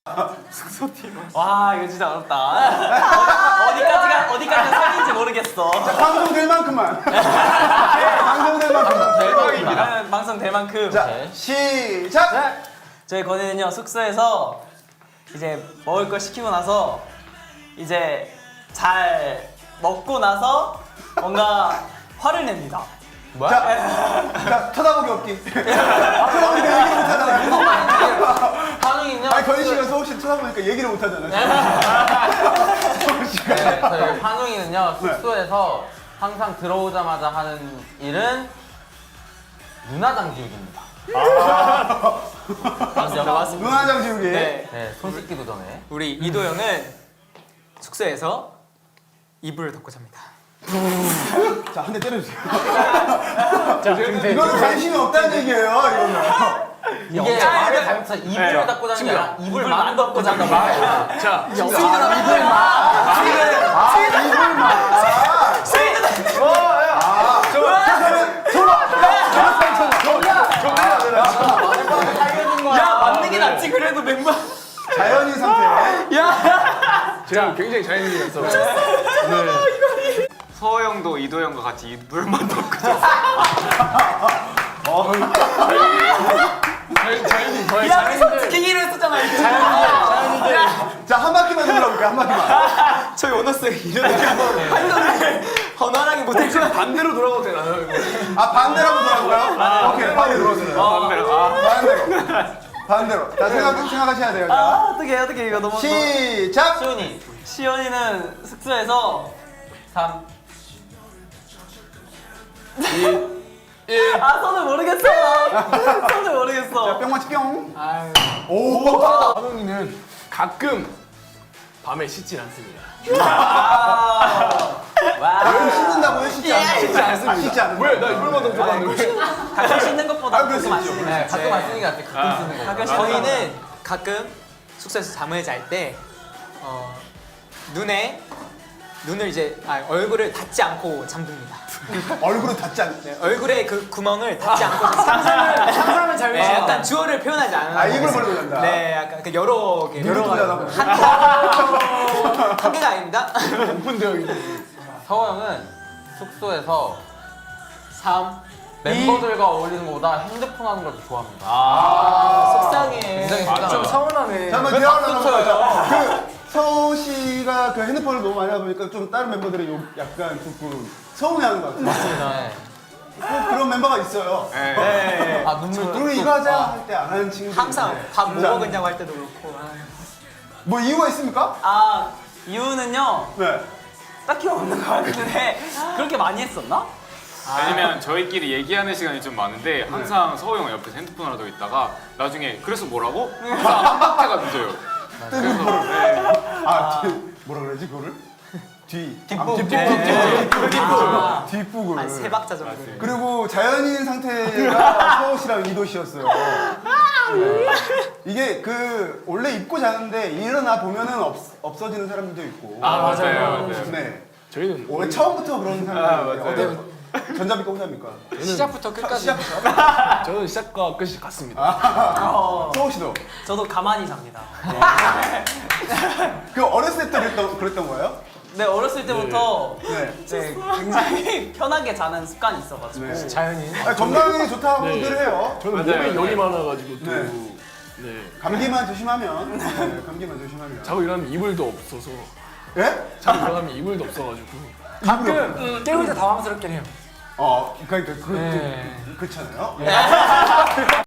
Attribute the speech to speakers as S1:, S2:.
S1: 와 이거 진짜 어렵다. 어디까지 선인지 모르겠어.
S2: 자, 방송될 만큼만. 방송될 만큼만.
S1: 대박입니다. 방송 될 만큼.
S2: 자, 시작!
S1: 저희 건이는요 숙소에서 이제 먹을 걸 시키고 나서 이제 잘 먹고 나서 뭔가 화를 냅니다.
S2: 자, 쳐다보기 없기. 쳐다보니까 얘기를 못하잖아.
S3: 반응이냐?
S2: 아니, 건희 씨가 서울 씨 쳐다보니까 얘기를 못하잖아. 서울 씨가.
S3: 네, 저희 환웅이는요 숙소에서 항상 들어오자마자 하는 일은 눈화장 지우기입니다.
S1: 맞습니다.
S2: 눈화장 지우기.
S1: 네.
S3: 네, 손 씻기도 전에.
S1: 우리 이도영은 숙소에서 이불을 덮고 잡니다.
S2: 자, 한 대 때려주세요. 이거는 관심이 없다는 얘기예요, 이거는.
S3: 이게 말을 잘못해서 이불을 닦고 자는 게 아니라 이불만 덮고 잔다 말.
S4: 자,
S1: 야 맞는 게 낫지 그래도 멤버.
S2: 자연인 상태.
S4: 제가 굉장히 자연인이어서
S5: 서호 형도 이도 형과 같이 이불만 덮고
S4: 자연인 저의
S1: 야 우리 손 지키기로 했었잖아. 이거.
S2: 자, 한 바퀴만 돌아볼게요, 한 바퀴만.
S1: 저희 오너스 이러니까 한손을 번호하게 못했죠.
S4: 반대로 돌아가도 되나요? 이거?
S2: 아, 반대로 한번 돌아볼까요? 오케이, 반대로. 반대로. 자, 생각하셔야 돼요. 자.
S1: 어떻게 이거 너무.
S2: 시작!
S3: 시훈이
S1: 시연이는 숙소에서
S3: 3.
S1: 아 손을 모르겠어. 손을 모르겠어.
S2: 자, 뿅 맞지 뿅.
S1: 아유.
S2: 오!
S4: 한웅이는 가끔 밤에 씻질 않습니다.
S2: 왜 씻는다고요? 씻지 않습니다. 씻지 않는다.
S4: 왜? 나 이불만 덮고 가는데.
S1: 가끔 씻는 것보다
S2: 그럴 수
S1: 가끔 안
S2: 있죠.
S1: 씻는 게
S3: 네,
S1: 낫지.
S3: 가끔 안 쓰는 게 낫지. 가끔 쓰는 거.
S1: 가끔 저희는 가끔 숙소에서 잠을 잘 때 눈을 이제 얼굴을 닫지 않고 잠듭니다.
S2: 얼굴은 닿지 않네.
S1: 네, 얼굴에 그 구멍을 닫지 않고 상상을 잘
S2: 네,
S1: 약간 주어를 표현하지 않는.
S2: 아, 입을 벌리고 잔다.
S1: 네, 약간 그 여러 개.
S2: 눈을 돌려다보고.
S1: 한 개가 아닙니다.
S4: 오픈되어 있는.
S3: 서호 형은 숙소에서
S1: 3.
S3: 멤버들과 어울리는 것보다 핸드폰 하는 걸 더 좋아합니다.
S1: 속상해.
S3: 굉장히 속상하다.
S1: 좀 서운하네.
S2: 자, 한번 대화를 나눠보죠. 그 서우 씨가 그 핸드폰을 너무 많이 하다 보니까 좀 다른 멤버들이 약간 조금 서운해하는 것 같아요.
S3: 네.
S2: 꼭 그런 멤버가 있어요.
S1: 네.
S3: 아 눈물
S2: 우리 이거 하자 할 때 안 하는 친구들.
S1: 항상 밥 뭐 먹었냐고 할 때도 그렇고.
S2: 뭐 이유가 있습니까?
S1: 이유는요.
S2: 네.
S1: 딱히 없는 것 같은데 그렇게 많이 했었나?
S5: 아니면 저희끼리 얘기하는 시간이 좀 많은데 항상 서호 형 옆에서 핸드폰을 하고 있다가 나중에 그래서 뭐라고? 항상 한 박자가 늦어요.
S2: 뜨는 거를. 뭐라 그러지 그거를? 뒷북을.
S1: 한 3박자 정도.
S2: 그리고 자연인 상태가 서우 씨랑 이도 씨였어요. 네. 이게 그 원래 입고 자는데 일어나 보면은 없어지는 사람들도 있고.
S5: 맞아요.
S2: 네.
S4: 저희는
S2: 원래 처음부터 그런 사람들.
S5: 맞아요.
S2: 전자비가 호자입니까?
S1: 시작부터 끝까지.
S2: 시작부터.
S4: 저는 시작과 끝이 같습니다.
S2: 서우 씨도.
S1: 저도 가만히 잡니다.
S2: 그 어렸을 때 그랬던 거예요?
S1: 네, 어렸을 때부터
S2: 네.
S1: 굉장히 편하게 자는 습관이 있어가지고.
S2: 네.
S1: 자연인.
S2: 건강에 좋다고들 해요.
S4: 저는
S5: 맞아요.
S4: 몸에 열이 많아가지고 또
S2: 네.
S4: 네.
S2: 감기만 조심하면. 네, 감기만 조심하면.
S4: 자고 일어나면 이불도 없어서
S2: 예?
S4: 자고 일어나면 이불도 없어가지고
S1: 가끔 깨울 때 당황스럽긴 해요.
S2: 그러니까 그렇잖아요.